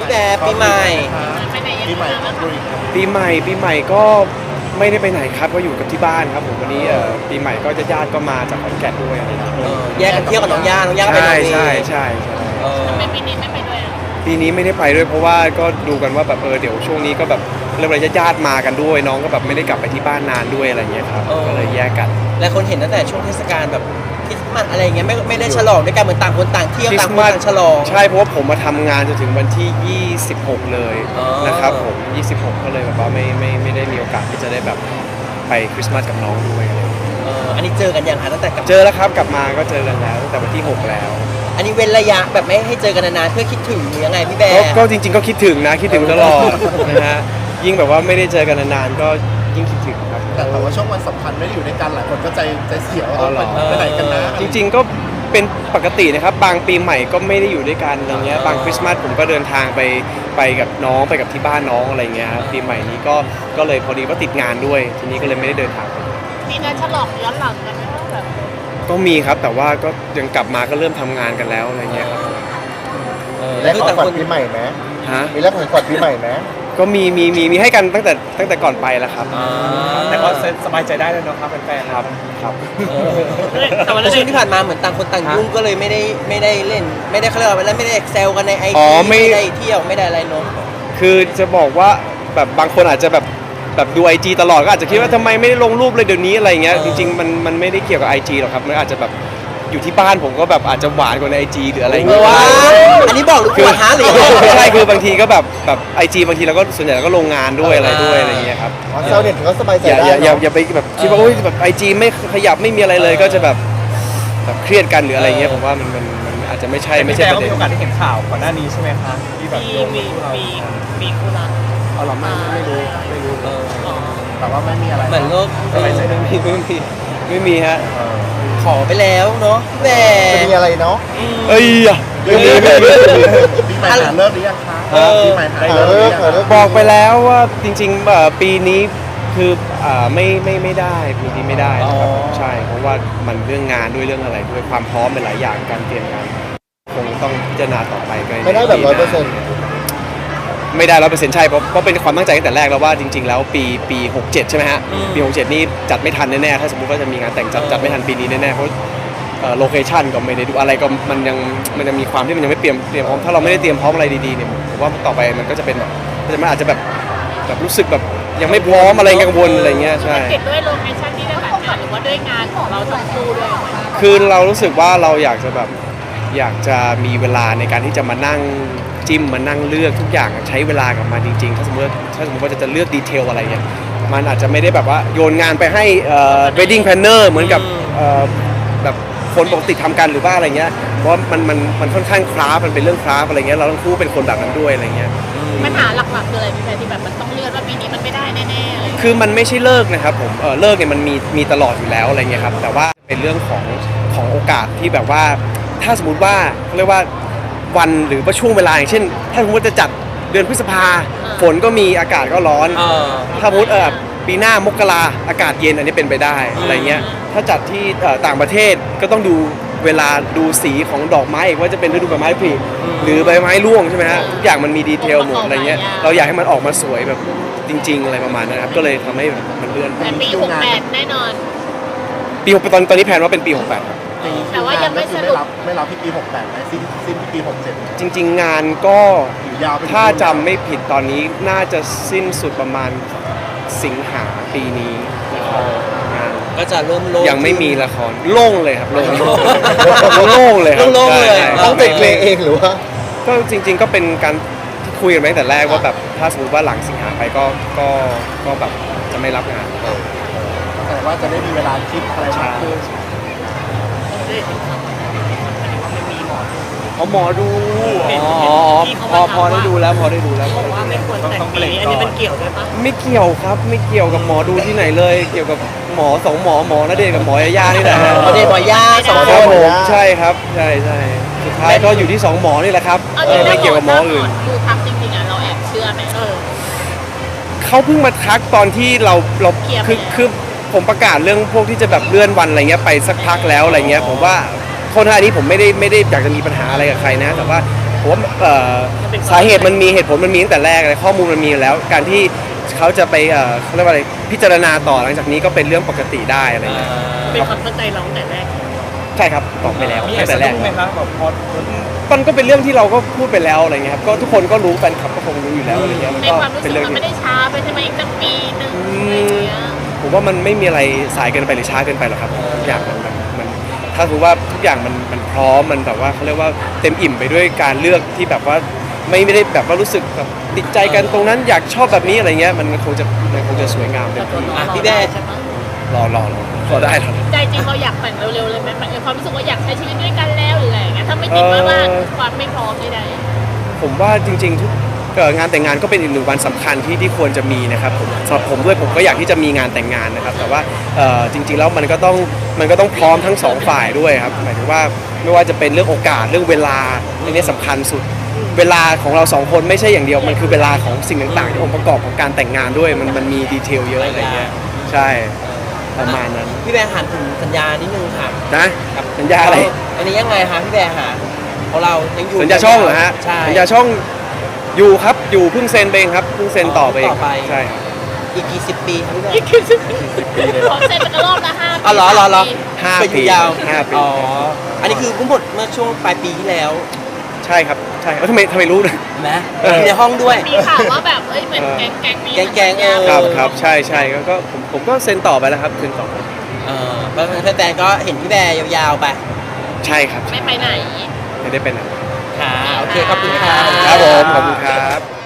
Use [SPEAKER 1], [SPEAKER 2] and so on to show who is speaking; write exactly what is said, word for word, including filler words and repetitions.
[SPEAKER 1] แบร์ปีใหม่
[SPEAKER 2] ปีใหม่
[SPEAKER 3] ปีใหม่ปีใหม่ก็ไม่ได้ไปไหนครับก็อยู่กับที่บ้านครับผมวันนี้เอ่อปีใหม่ก็จะญาติก็มาจากขอนแก่นด้วยอะไรอย่างเงี้ย
[SPEAKER 1] เออแยกกันเที่ยวกับน้องย่าน้องย่าก็ไป
[SPEAKER 3] ใช่
[SPEAKER 1] นอร์เวย์
[SPEAKER 3] ใช่ใช่ใช่
[SPEAKER 1] เออ
[SPEAKER 4] ทำไมปีนี้ไม่ไปด้วยอ่ะ
[SPEAKER 3] ปีนี้ไม่ได้ไปด้วยเพราะว่าก็ดูกันว่าแบบเออเดี๋ยวช่วงนี้ก็แบบเรื่องอะไรญาติๆมากันด้วยน้องก็แบบไม่ได้กลับไปที่บ้านนานด้วยอะไรอย่างเงี้ยครับก็เลยแยกกัน
[SPEAKER 1] และคนเห็นตั้งแต่ช่วงเทศกาลแบบคริสต์มาสอะไรอย่างเงี้ยไม่ไม่ได้ฉลองด้วยกันเหมือนต่างคนต่างเที่ยวต่างคนต่างฉลอง
[SPEAKER 3] ใช่เพราะว่าผมมาทำงานจนถึงวันที่ยี่สิบหกเลย
[SPEAKER 1] อ๋อ
[SPEAKER 3] นะครับผมยี่สิบหกก็เลยแบบว่าไม่ไม่ไม่ได้มีโอกาสที่จะได้แบบไปคริสต์มาสกับน้องด้วยอะไรอย่างเงี้ย
[SPEAKER 1] เอออันนี้เจอกันยังคะตั้งแต่กลับ
[SPEAKER 3] เจอแล้วครับกลับมาก็เจอกันแล้วตั้งแต่วันที่หกแล้ว
[SPEAKER 1] อันนี้เว้นระยะแบบไม่ให้เจอกันนานๆเพื่อคิดถึงหรือยังไงพี่แบ
[SPEAKER 3] ก็
[SPEAKER 1] ร์
[SPEAKER 3] ก็จริงๆก็คิดถึงนะคิดถึงตลอดนะฮะยิ่งแบบว่าไม่ได้เจอกันนานๆก็ยิ่งคิดถึงครับ
[SPEAKER 2] แต่แต่ว่าช่วงวันสำคัญไม่ได้อยู่ด้วยกันหลายคนก็ใจใจเสียว่า
[SPEAKER 3] อ๋อเหรอ
[SPEAKER 2] ไปไหนกันนะ
[SPEAKER 3] จริงๆก็เป็นปกตินะครับบางปีใหม่ก็ไม่ได้อยู่ด้วยกันอะไรเงี้ยบางคริสต์มาสผมก็เดินทางไปไปกับน้องไปกับที่บ้านน้องอะไรเงี้ยครับปีใหม่นี้ก็ก็เลยพอดีว่าติดงานด้วยทีนี้ก็เลยไม่ได้เดินทางไป
[SPEAKER 4] มีการฉลองย้อนหลังกันไหมว่าแบบ
[SPEAKER 3] ก็มีครับแต่ว่าก็ยังกลับมาก็เริ่มทำงานกันแล้วอะไรเงี้ยครับ
[SPEAKER 1] เออ
[SPEAKER 2] แล้
[SPEAKER 1] แล้ว วคือ
[SPEAKER 2] ของ
[SPEAKER 1] ต่าง
[SPEAKER 2] ขวัญ
[SPEAKER 1] คน
[SPEAKER 2] ปีใหม่ไหม
[SPEAKER 3] ฮะ
[SPEAKER 2] มีแลกของขวัญปีใหม่ไหม
[SPEAKER 3] ก็มีมีมีมีให้กันตั้งแต่ตั้งแต่ก่อนไปแล้วครับ
[SPEAKER 1] อ่า
[SPEAKER 5] แต่ก็สบายใจได้เลยเนาะครับแฟนๆ
[SPEAKER 3] ครับครับ
[SPEAKER 1] เออแต่ช่วงที่ผ่านมาเหมือนต่างคนต่างยุ่งก็เลยไม่ได้ไม่ได้เล่น ไม่ได้เขาเรียกว่าอะไรไม่ได้แซวกันในไอ
[SPEAKER 3] อ๋
[SPEAKER 1] จี
[SPEAKER 3] อไม่
[SPEAKER 1] ไม่ได้เที่ยวไม่ได้อะไรเนอะ
[SPEAKER 3] คือจะบอกว่าแบบบางคนอาจจะแบบแบบดู ไอ จี ตลอดก็อาจจะคิดว่าทำไมไม่ได้ลงรูปเลยเดี๋ยวนี้อะไรเงี้ยจริงๆมันมันไม่ได้เกี่ยวกับ ไอ จี หรอกครับมันอาจจะแบบอยู่ที่บ้านผมก็แบบอาจจะหวานกว่าใน ไอ จี หรืออะไรเงี้ย
[SPEAKER 1] ว้าอันนี้บอกหรือ
[SPEAKER 3] คือ
[SPEAKER 1] ว่าฮะหรือ
[SPEAKER 3] ไม่ใช่คือบางทีก็แบบแบบ ไอ จี บางทีเราก็ส่วนใหญ่เราก็ลงงานด้วยอะไรด้วยอะไรเงี้ยครับ
[SPEAKER 2] อ๋อเซลเน็ตก็สบายใจ
[SPEAKER 3] อย่า
[SPEAKER 2] ได้
[SPEAKER 3] อย่าอย่า
[SPEAKER 2] เนาะ
[SPEAKER 3] อย่าไปแบบคิดว่าโอ๊ยแบบ ไอ จี ไม่ขยับไม่มีอะไรเลยก็จะแบบแบบเครียดกันหรืออะไรเงี้ยผมว่ามันมันมันอาจจะไม่ใช่ไม่
[SPEAKER 5] ไม่
[SPEAKER 3] ใช่
[SPEAKER 5] ใช่
[SPEAKER 3] ป
[SPEAKER 5] ก็
[SPEAKER 3] ระเด็
[SPEAKER 5] มี
[SPEAKER 3] น
[SPEAKER 5] โอกาสได้เห็นข่าวก่อนหน้านี้ใช่ไหมคะที่แบบ
[SPEAKER 4] มี
[SPEAKER 5] โยง
[SPEAKER 4] มี
[SPEAKER 5] คู่เรา
[SPEAKER 4] มีมีคู่รัก
[SPEAKER 3] เอาหรอไม่ไม่รู้ไม่รู้
[SPEAKER 1] เออ
[SPEAKER 4] อ๋อ
[SPEAKER 2] แต่ว่าไม่มีอะไร
[SPEAKER 1] เหมือนโลก
[SPEAKER 3] สบายใจไม่มีไม่มีไม่มีฮะ
[SPEAKER 2] เออ
[SPEAKER 1] ขอไปแล้วเนาะแหม
[SPEAKER 2] จะมีอะไรเนาะ
[SPEAKER 3] เอ้ยอะ
[SPEAKER 2] ไม่มีไม่มีปีใหม่หาเลิกหรือยังคะ
[SPEAKER 1] เออ
[SPEAKER 2] ปีใหม่หาเลิกหรือยังหาเลิก
[SPEAKER 3] บอกไปแล้วว่าจริงๆเอ่อปีนี้คืออ่าไม่ไม่ไม่ได้ปีนี้ไม่ได้นะครับ
[SPEAKER 1] อ๋อ
[SPEAKER 3] ใช่เพราะว่ามันเรื่องงานด้วยเรื่องอะไรด้วยความพร้อมเป็นหลายอย่างการเตรียมงานคงต้องพิจารณาต่อไปก็
[SPEAKER 2] ไม่ได้แบบร้อยเปอร์เซ็นต์
[SPEAKER 3] ไม่ได้ร้อยเปอร์เซ็นต์ใช่เพราะเพราะเป็นความตั้งใจตั้งแต่แรกแล้วว่าจริง ๆ แล้วปีปีหกเจ็ดใช่ไหมฮะ
[SPEAKER 1] อืม
[SPEAKER 3] ปีหกเจ็ดนี่จัดไม่ทันแน่ๆถ้าสมมติว่าจะมีงานแต่งจัดจัดไม่ทันปีนี้แน่ๆเพราะโลเคชันก็ไม่ได้ดูอะไรก็มันยังมันยังมีความที่มันยังไม่เตรียมเตรียมพร้อมถ้าเราไม่ได้เตรียมพร้อมอะไรดีๆเนี่ยผมว่าต่อไปมันก็จะเป็นแบบมันอาจจะแบบแบบรู้สึกแบบยังไม่พร้อมอะไรกังวลอะไรเงี้ยใช่
[SPEAKER 4] ติดด้วยโลเคชั่นที่จะจัดงานหรือว่าด้วยงานของเราทั้งคู่ด้วย
[SPEAKER 3] คือเรารู้สึกว่าเราอยากจะแบบอยากจะมีเวลาในการที่จะมานั่งจิ้มมานั่งเลือกทุกอย่างใช้เวลากับมันจริงๆ ถ้าสมมติว่าถ้าสมมติว่าจะเลือกดีเทลอะไรเงี้ยมันอาจจะไม่ได้แบบว่าโยนงานไปให้เอ่อ wedding planner เหมือนกับเอ่อแบบคนปกติทำกันหรือว่าอะไรเงี้ยเพราะว่ามันมันมันค่อนข้างคราฟมันเป็นเรื่องคราฟอะไรเงี้ยเราทั้งคู่เป็นคนแบบนั้นด้วยอะไรเงี้ย
[SPEAKER 4] ปัญหาหลักๆคืออะไรพี่แพรที่แบบมันต้องเลื่อนว่าปีนี้มันไม่ได้แน่ๆอะไรอย่างเงี้ย
[SPEAKER 3] คือมันไม่ใช่เลิกนะครับผมเออเลิกเนี่ยมันมีมีตลอดอยู่แล้วอะไรเงี้ยครับแต่ว่าเป็นเรื่องของของโอกาสที่แบบว่าถ้าสมมติว่าเขาเรียกว่าวันหรือว่าช่วงเวลาอย่างเช่น ถ้าสมมติจะจัดเดือนพฤษภาฝนก็มีอากาศก็ร้อน
[SPEAKER 1] เออ
[SPEAKER 3] ถ้าสมมติเออปีหน้ามกราอากาศเย็นอันนี้เป็นไปได้อะไรเงี้ยถ้าจัดที่เอ่อต่างประเทศก็ต้องดูเวลาดูสีของดอกไม้อีกว่าจะเป็นฤดูใบไม้ผลิหรือใบไม้ร่วงใช่ไหมฮะทุกอย่างมันมีดีเทลหมดอะไรเงี้ยเราอยากให้มันออกมาสวยแบบจริง ๆ อะไรประมาณนั้นครับก็เลยทำให้มันเลื่อน
[SPEAKER 4] แต่ปีหกแปดแน่นอน
[SPEAKER 3] ปีหกตอนตอนนี้แผนว่าเป็นปีหกแปดครับ
[SPEAKER 4] แต่ว่ายังไม่สรุป
[SPEAKER 2] ไม่รับไม่รับที่ปีหกแปดไหมสิ้นสิ้นที่ปีหกเจ็ด
[SPEAKER 3] จริง ๆ งานก็
[SPEAKER 2] หรือยาวไปถึง
[SPEAKER 3] ถ้าจำไม่ผิดตอนนี้น่าจะสิ้นสุดประมาณสิงหาปีนี้นะครับงาน
[SPEAKER 1] ก็จะเริ่มโล่ง
[SPEAKER 3] ยังไม่มีละครโล่งเลยครับโล่งโล่งเลยครับ
[SPEAKER 1] โล่งๆเลย
[SPEAKER 3] ใช่
[SPEAKER 2] ต้องเป็นเพลงเองหรือว่า
[SPEAKER 3] ก็จริง ๆ ก็เป็นการที่คุยกันมาตั้งแต่แรกว่าแบบถ้าสมมติว่าหลังสิงหาไปก็ก็ก็แบบจะไม่รับงาน
[SPEAKER 2] แต่ว่าจะได้มีเวลาคิดอะไรมากขึ้น
[SPEAKER 3] เขาหมอดูอ๋อพอพอได้ดูแล้วพอได้ดูแล้วพอได้ดูแล้ว
[SPEAKER 4] ไม่ควรแต่งปีนี้อันนี้มันเกี่ยวด้วยปะ
[SPEAKER 3] ไม่เกี่ยวครับไม่เกี่ยวกับหมอดูที่ไหนเลย เกี่ยวกับหมอสองหมอหมอณเดชน์กับหมอยาย่านี่แหละ
[SPEAKER 1] หมอเดชน์หมอย่าสอง
[SPEAKER 3] ค
[SPEAKER 1] ค
[SPEAKER 3] รั
[SPEAKER 1] น
[SPEAKER 3] บผมใช่ครับใช่ใช่สุดท้ายก็อยู่ที่สองหมอนี่แหละครับ
[SPEAKER 4] เอา
[SPEAKER 3] เอ
[SPEAKER 4] จริ
[SPEAKER 3] อง
[SPEAKER 4] ๆ
[SPEAKER 3] ไม่เกี่ยวกับหมออื่น
[SPEAKER 4] ดูทำจริงๆอ่ะเราแอบเชื่อไหมเออ
[SPEAKER 3] เขาเพิ่งมาทักตอนที่เราเรา
[SPEAKER 4] เคลียร์ไป
[SPEAKER 3] คือ
[SPEAKER 4] แล้ว
[SPEAKER 3] คือผมประกาศเรื่องพวกที่จะแบบเลื่อนวันอะไรเงี้ยไปสักพักแล้วอะไรเงี้ยผมว่าโทษนะอันนี้ผมไม่ได้ไม่ได้อยากจะมีปัญหาอะไรกับใครนะ แต่ว่าผมว่าเอ่อสาเหตุมันมีเหตุผลมันมีตั้งแต่แรกเลยข้อมูลมันมีอยู่แล้ว การที่เขาจะไปเอ่อเขาเรียกว่าอะไรพิจารณาต่อหลังจากนี้ก็เป็นเรื่องปกติได้อะไรเงี้ย
[SPEAKER 4] เป็นความเข้าใจเราตั้งแต่แรก
[SPEAKER 3] ใช่ครับบอกไปแล้ว
[SPEAKER 5] มีอะไร
[SPEAKER 3] ตั้งแต่
[SPEAKER 5] สะ
[SPEAKER 3] แรก
[SPEAKER 5] ดุ้งไหมคะแบบพอ
[SPEAKER 3] มันก็เป็นเรื่องที่เราก็พูดไปแล้วอะไรเงี้ยครับก็ทุกคนก็รู้แฟนคลับก็คงรู้อยู่แล้วอะไรเงี้ยมัน
[SPEAKER 4] ใน
[SPEAKER 3] ก็
[SPEAKER 4] ความรู้
[SPEAKER 3] เป็
[SPEAKER 4] สึ
[SPEAKER 3] น
[SPEAKER 4] ก
[SPEAKER 3] เรื่อง
[SPEAKER 4] มัน
[SPEAKER 3] ที่
[SPEAKER 4] ไม่ได้ช้าไปใช่ไหมอีกตั้งปีหนึ่งอะไรอย่างเงี้ย
[SPEAKER 3] ผมว่ามันไม่มีอะไรสายเกินไปหรือช้าเกินไปหรอกครับทุกอย่างมันมันมันถ้าถือว่าทุกอย่างมันมันพร้อมมันแบบว่าเขาเรียกว่าเต็มอิ่มไปด้วยการเลือกที่แบบว่าไม่ไม่ได้แบบว่ารู้สึกแบบติดใจกันตรงนั้นอยากชอบแบบนี้อะไรเงี้ยมันคงจะมันคงจะสวยงามเต็มที่
[SPEAKER 1] อ่ะพี่แบร์
[SPEAKER 4] ใช่ไหม
[SPEAKER 3] รอรอรอรอได้รอ
[SPEAKER 4] ใจจริงเราอยากแต่งเร็วๆเลยไหมมันความรู้สึกว่าอยากใช้ชีวิตด้วยกันแล้วหรืออะไรอย่างเงี้ยถ้าไม่ติดว่าว่าความไม่พร้อมใด
[SPEAKER 3] ผมว่าจริงๆทุกเอ่องานแต่งงานก็เป็นอีกหนึ่งวันสำคัญที่ที่ควรจะมีนะครับผมสำหรับผมด้วยผมก็อยากที่จะมีงานแต่งงานนะครับ แต่ว่าเอ่อจริง ๆ แล้วมันก็ต้องมันก็ต้องพร้อมทั้งสองฝ่ายด้วยครับหมายถึงว่าไม่ว่าจะเป็นเรื่องโอกาสเรื่องเวลาเรื่องนี้สำคัญสุด เวลาของเราสองคนไม่ใช่อย่างเดียวมันคือเวลาของสิ่งต่างๆที่องค์ประกอบของการแต่งงานด้วยมันมันมีดีเทลเยอะอะไรเงี้ยใช่ประมาณนั้น
[SPEAKER 1] พี่แบร์ถามถึงสัญญานิดนึงค่ะ
[SPEAKER 3] นะสัญญาอะไร
[SPEAKER 1] อันนี้ยังไงคะพี่แบร์หาของเรายังอยู่
[SPEAKER 3] สัญญาช่องเหรอฮะ
[SPEAKER 1] ใช่
[SPEAKER 3] สัญญาช่องอยู่ครับอยู่เพิ่งเซ็นไปเองครับเพิ่งเซ็นต่อไปเอง
[SPEAKER 1] ต่อไป
[SPEAKER 3] ใช่ครับ
[SPEAKER 1] อีกกี่สิบปีครับพี่แบ
[SPEAKER 4] ๆ
[SPEAKER 1] ร์
[SPEAKER 4] ยี่สิบปีเลยขอเซ็นเป็นกระรอกละห้าปี
[SPEAKER 1] อ๋อเหรอเหรอเหรอ
[SPEAKER 3] ห้า
[SPEAKER 1] เป็น
[SPEAKER 3] ปี
[SPEAKER 1] ยาว
[SPEAKER 3] ห้าปี
[SPEAKER 1] อ๋ออันนี้คือเพิ่งหมดเมื่อช่วงปลายปีที่แล้ว
[SPEAKER 3] ใช่ครับใช่ครับทำไมทำไมรู้นะ
[SPEAKER 1] เห็นไหม
[SPEAKER 3] เออ
[SPEAKER 1] มีในห้องด้วย
[SPEAKER 4] มีข่าวว่าแบบเอ้ยเหมือนแก๊งแก๊งนี้
[SPEAKER 1] แก๊งๆเออ
[SPEAKER 3] ครับครับใช่ใช่ก็ก็ผมผมก็เซ็นต่อไปแล้วครับเซ็นต่อ
[SPEAKER 1] เออแล้วแฟนๆก็เห็นพี่แบร์ยาวๆไป
[SPEAKER 3] ใช่ครับ
[SPEAKER 4] ไม่ไปไหน
[SPEAKER 3] ไม่ได้เป็นอะไร
[SPEAKER 1] ค่ะโอเคขอบคุณค่ะ
[SPEAKER 3] ครับผมขอบคุณครับ